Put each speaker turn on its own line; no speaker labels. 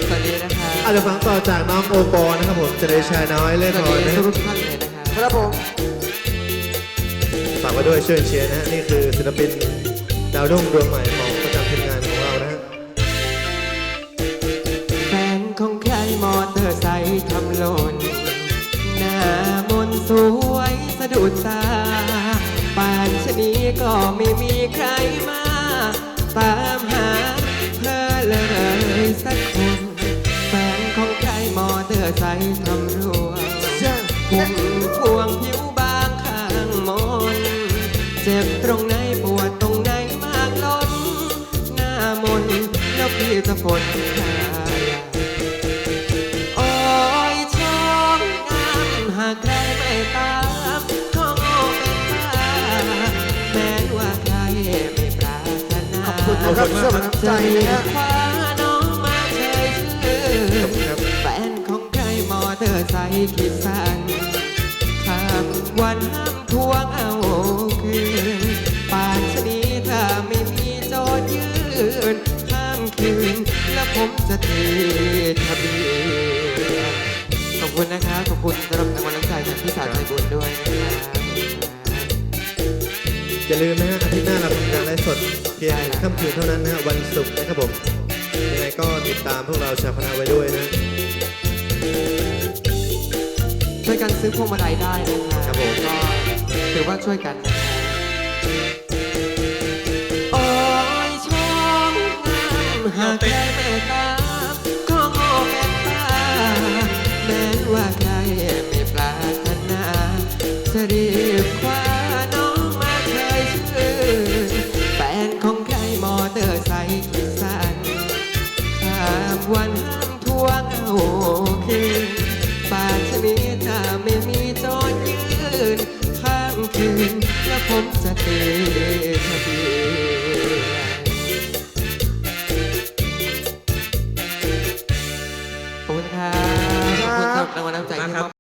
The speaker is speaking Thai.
สวัสดีนะครับ
อาจจะฟังต่อจากน้องโอปอนะครับผมจะได้ชายน้อยเล่น
สวัส
หน่อย
ดี
นะ
ทุกท่านเลยนะครับ
ครับผม
ฝากไว้ด้วยเชิญเชียร์นะฮะนี่คือศิลปินดาวรุ่งดวงใหม่ของประจำทีมงานของเรานะฮะ
แฟนของใครมอเตอร์ไซค์ทำหล่นหน้ามนต์สวยสะดุดตาป่านชะนี้ก็ไม่มีใครมาตามหาเธอเลยสักคนแฟนของใครมอเตอร์ไซค์ทำรั่วหุ่มพวงผิวบางข้างมนเจ็บตรงไหนปวดตรงไหนมากล้นหน้ามนแล้วพี่จะฝนหายาโอ้ยช่องงามหากใครไม่ตามก็โง่เป็นบ้าแม้ว่าใครไม่ปรารถนา
ขอบคุณนะครับสำหรับน้ำใจนะฮะ
คว้าน้องมาเฉยชื่อ
ขอบคุณครับ
แฟนของใครมอเตอร์ไซค์คิดสั้นข้ามวันห้ามทวงเอาคืนป่านชะนี้ถ้าไม่มีโจทย์ยืนข้ามคืนแล้วผมจะตีทะเบียนขอบคุณนะครับขอบคุณสำหรับรางวัลน้ำใจจากพี่สาวใจบุญด้วยนะครับ
อย่าลืมนะฮะอาทิตย์หน้าเราทำการไลฟ์สดเพียงค่ำคืนเท่านั้นนะฮะวันศุกร์นะครับผมยังไงก็ติดตามพวกเราชาวคณะไว้ด้วยนะ
ช่วยกันซื้อพวงมาลัยได้นะครับ
ครับผม
ก็ถือว่าช่วยกันนะครับโอ้ยช่องงามหากใครไม่ตามก็โง่เป็นบ้าแม้ว่าใครไม่ปรารถนาจะรีบคว้าน้องมาเคยชื่อแฟนของใครมอเตอร์ไซค์คิดสั้นข้ามวันห้ามทวงเอาคืนป่านชะนี้ถ้าไม่มีโจทย์ยืนข้ามคืนแล้วผมจะตีทะเบียนขอบคุณครับขอบคุณครับรางวัลน้ำใจที่มอบ